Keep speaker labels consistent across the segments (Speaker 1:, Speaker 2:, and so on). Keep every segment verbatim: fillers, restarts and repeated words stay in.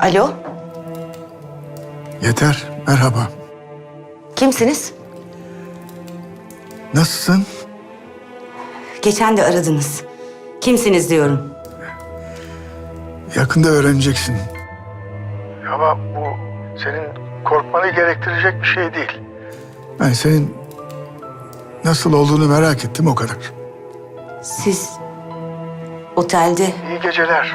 Speaker 1: Alo,
Speaker 2: Yeter, merhaba.
Speaker 1: kimsiniz?
Speaker 2: Nasılsın?
Speaker 1: Geçen de aradınız. Kimsiniz diyorum.
Speaker 2: Yakında öğreneceksin. Ama bu senin korkmanı gerektirecek bir şey değil. Ben senin nasıl olduğunu merak ettim, o kadar.
Speaker 1: Siz otelde...
Speaker 2: İyi geceler.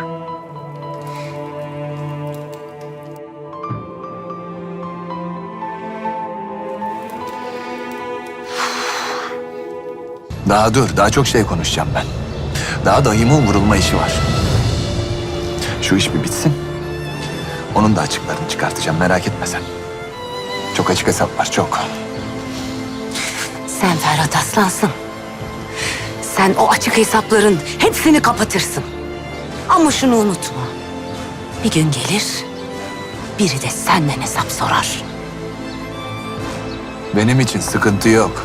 Speaker 3: Daha dur, daha çok şey konuşacağım ben. Daha dayımın vurulma işi var. Şu iş bir bitsin. Onun da açıklarını çıkartacağım, merak etme sen. Çok açık hesap var, çok.
Speaker 1: Sen Ferhat Aslansın. Sen o açık hesapların hepsini kapatırsın. Ama şunu unutma. Bir gün gelir, biri de senden hesap sorar.
Speaker 3: Benim için sıkıntı yok.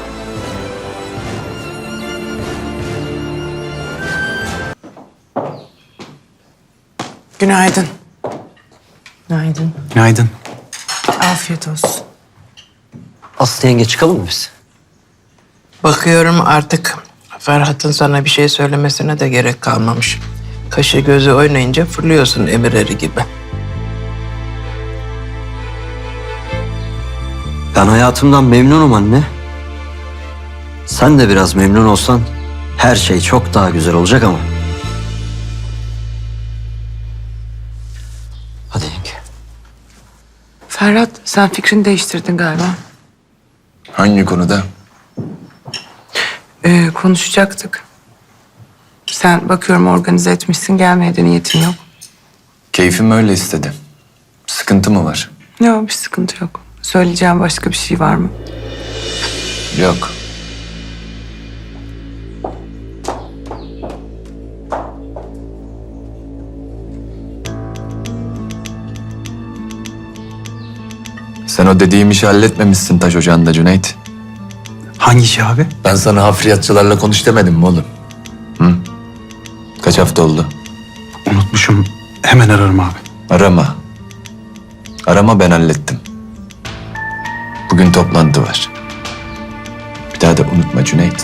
Speaker 4: Günaydın.
Speaker 5: Günaydın.
Speaker 4: Günaydın. Afiyet olsun.
Speaker 5: Aslı yenge çıkalım mı biz?
Speaker 4: Bakıyorum artık Ferhat'ın sana bir şey söylemesine de gerek kalmamış. Kaşı gözü oynayınca fırlıyorsun emir eri gibi.
Speaker 5: Ben hayatımdan memnunum anne. Sen de biraz memnun olsan her şey çok daha güzel olacak ama. Hadi yenge.
Speaker 6: Ferhat, sen fikrini değiştirdin galiba.
Speaker 3: Hangi konuda?
Speaker 6: Ee, konuşacaktık. Sen bakıyorum organize etmişsin, gelmeye de niyetin yok.
Speaker 3: Keyfim öyle istedi. Sıkıntı mı var?
Speaker 6: Yok, bir sıkıntı yok. Söyleyeceğim başka bir şey var mı?
Speaker 3: Yok. Sen o dediğim işi halletmemişsin taş ocağında Cüneyt.
Speaker 4: Hangi iş abi?
Speaker 3: Ben sana hafriyatçılarla konuş demedim mi oğlum? Hı? Kaç hafta oldu?
Speaker 4: Unutmuşum. Hemen ararım abi.
Speaker 3: Arama. Arama, ben hallettim. Bugün toplantı var. Bir daha da unutma Cüneyt.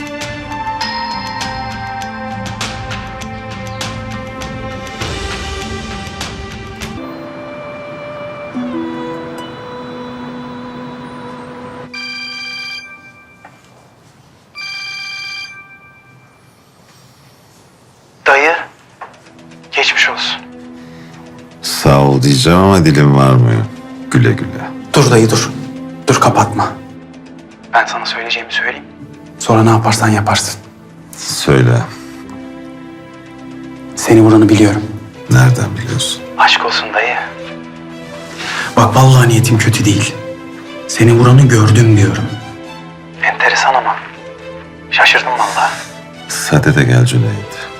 Speaker 7: Dayı, geçmiş olsun.
Speaker 8: Sağ ol diyeceğim ama dilim varmıyor. Güle güle.
Speaker 9: Dur dayı dur. Dur kapatma.
Speaker 7: Ben sana söyleyeceğimi söyleyeyim.
Speaker 9: Sonra ne yaparsan yaparsın.
Speaker 8: Söyle.
Speaker 9: Seni vuranı biliyorum.
Speaker 8: Nereden biliyorsun?
Speaker 7: Aşk olsun dayı.
Speaker 9: Bak vallahi niyetim kötü değil. Seni vuranı gördüm diyorum.
Speaker 7: Enteresan ama. Şaşırdım vallahi.
Speaker 8: Sade de gel Cüneyt.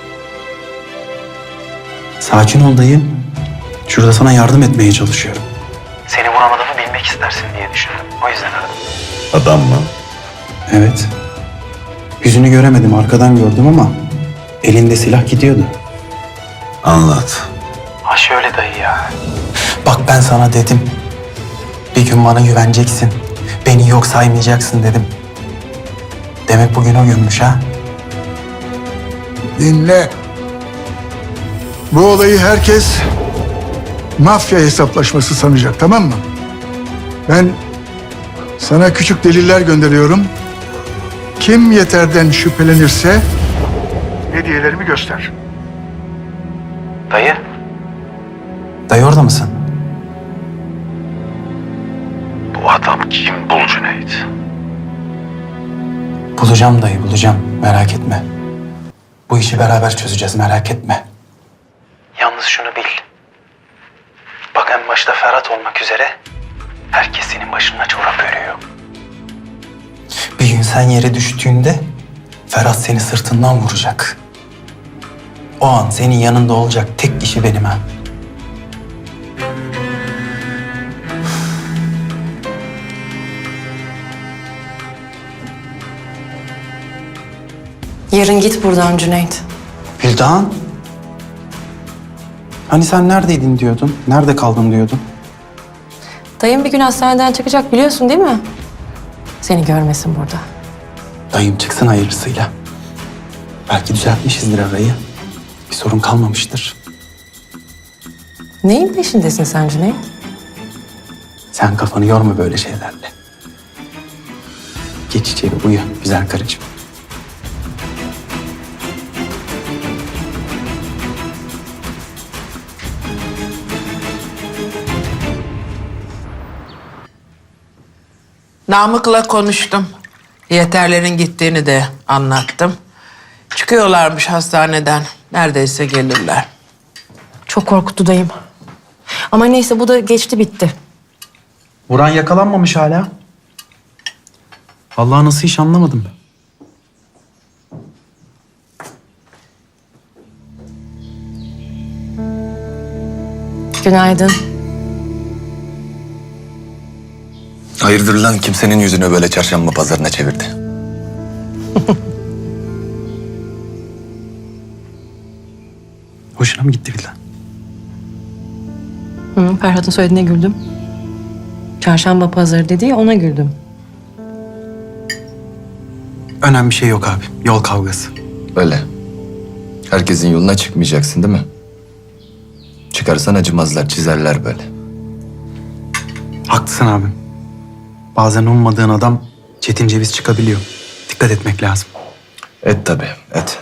Speaker 9: Sakin ol dayı. Şurada sana yardım etmeye çalışıyorum.
Speaker 7: Seni vuran adamı bilmek istersin diye düşündüm. O yüzden aradım.
Speaker 8: Adam mı?
Speaker 9: Evet. Yüzünü göremedim, arkadan gördüm ama elinde silah gidiyordu.
Speaker 8: Anlat.
Speaker 7: Ha şöyle dayı ya.
Speaker 9: Bak ben sana dedim. Bir gün bana güveneceksin. Beni yok saymayacaksın dedim. Demek bugün o günmüş ha?
Speaker 2: Dinle. Bu olayı herkes mafya hesaplaşması sanacak, tamam mı? Ben sana küçük deliller gönderiyorum. Kim Yeter'den şüphelenirse hediyelerimi göster.
Speaker 7: Dayı,
Speaker 9: Dayı orada mısın?
Speaker 7: bu adam kim bul Cüneyt?
Speaker 9: Bulacağım dayı, bulacağım. Merak etme. Bu işi beraber çözeceğiz, merak etme.
Speaker 7: Yalnız şunu bil. Bak en başta Ferhat olmak üzere herkes senin başına çorap örüyor.
Speaker 9: Bir gün sen yere düştüğünde Ferhat seni sırtından vuracak. O an senin yanında olacak tek kişi benim ha.
Speaker 10: Yarın git buradan Cüneyt.
Speaker 9: Güldan. Hani sen neredeydin diyordun, nerede kaldın diyordun.
Speaker 10: Dayım bir gün hastaneden çıkacak biliyorsun değil mi? Seni görmesin burada.
Speaker 9: Dayım çıksın hayırlısıyla. Belki düzeltmişizdir arayı. Bir sorun kalmamıştır.
Speaker 10: Neyin peşindesin sen Cüneyt?
Speaker 9: Sen kafanı yorma böyle şeylerle. Geç içeri uyu güzel karıcığım.
Speaker 4: Namık'la konuştum. Yeterlerin gittiğini de anlattım. Çıkıyorlarmış hastaneden. Neredeyse gelirler.
Speaker 10: Çok korkuttu dayım. Ama neyse bu da geçti bitti.
Speaker 9: Vuran yakalanmamış hala. Vallahi nasıl iş anlamadım ben.
Speaker 10: Günaydın.
Speaker 3: Hayırdır lan kimsenin yüzünü böyle çarşamba pazarına çevirdi.
Speaker 9: Hoşuna mı gitti Vildan?
Speaker 10: Hı, Ferhat'ın söylediğine güldüm. Çarşamba pazarı dedi ya ona güldüm.
Speaker 9: Önemli bir şey yok abi. Yol kavgası.
Speaker 3: Öyle. Herkesin yoluna çıkmayacaksın değil mi? Çıkarsan acımazlar, çizerler böyle.
Speaker 9: Haklısın abim. Bazen ummadığın adam çetin ceviz çıkabiliyor. Dikkat etmek lazım.
Speaker 3: Et tabii, et.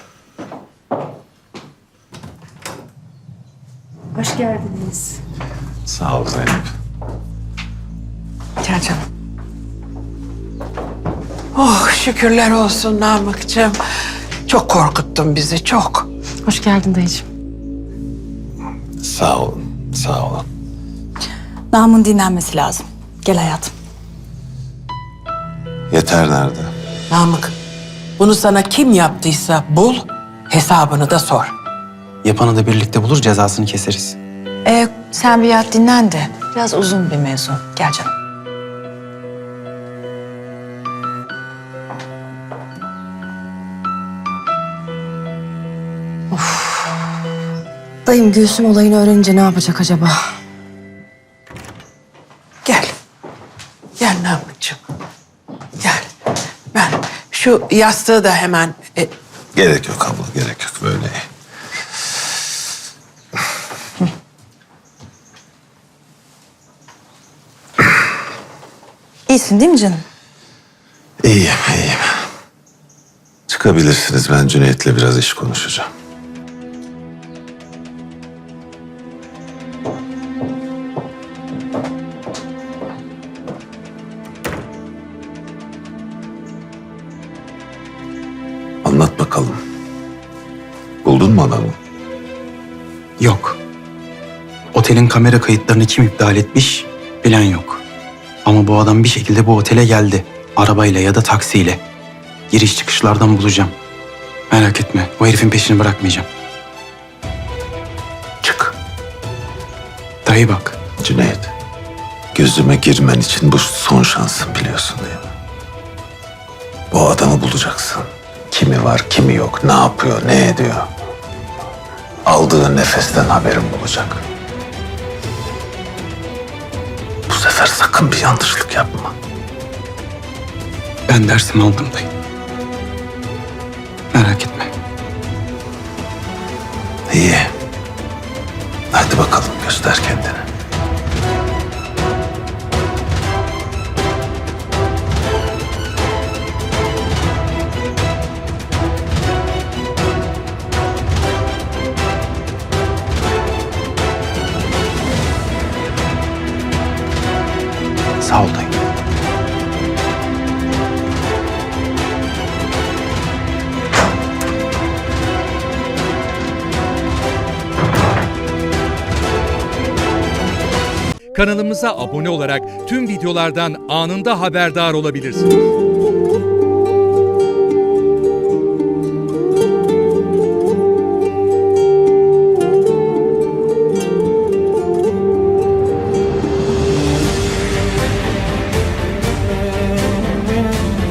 Speaker 10: Hoş geldiniz.
Speaker 8: Sağ ol Zeynep.
Speaker 10: Gel canım.
Speaker 4: Oh şükürler olsun Namık'cığım. Çok korkuttun bizi çok.
Speaker 10: Hoş geldin dayıcığım.
Speaker 8: Sağ olun, sağ olun.
Speaker 11: Namın dinlenmesi lazım. Gel hayatım.
Speaker 8: Yeter nerede?
Speaker 4: Namık, bunu sana kim yaptıysa bul, hesabını da sor.
Speaker 9: Yapanı da birlikte bulur cezasını keseriz.
Speaker 11: Ee, sen bir yat dinlen de. Biraz uzun bir mevzu. Gel canım.
Speaker 10: Dayım Gülsüm olayını öğrenince ne yapacak acaba?
Speaker 4: Gel. Gel Namık'cığım. Gel. Ben şu yastığı da hemen... e,
Speaker 8: Gerek yok abla, gerek yok böyle.
Speaker 11: İyisin değil mi canım?
Speaker 8: İyiyim, iyiyim. Çıkabilirsiniz, ben Cüneyt'le biraz iş konuşacağım. Anlat bakalım. Buldun mu adamı?
Speaker 9: Yok. Otelin kamera kayıtlarını kim iptal etmiş bilen yok. Ama bu adam bir şekilde bu otele geldi. Arabayla ya da taksiyle. Giriş çıkışlardan bulacağım. Merak etme, o herifin peşini bırakmayacağım.
Speaker 8: Çık.
Speaker 9: Dayı bak,
Speaker 8: Cüneyt, gözüme girmen için bu son şansın biliyorsun değil mi? Bu adamı bulacaksın. Kimi var, kimi yok, ne yapıyor, ne ediyor. Aldığı nefesten haberim olacak. Bu sefer sakın bir yanlışlık yapma.
Speaker 9: ben dersimi aldım dayı. Merak etme.
Speaker 8: İyi. Hadi bakalım göster kendini.
Speaker 9: Sağ ol dayı.
Speaker 12: Kanalımıza abone olarak tüm videolardan anında haberdar olabilirsiniz.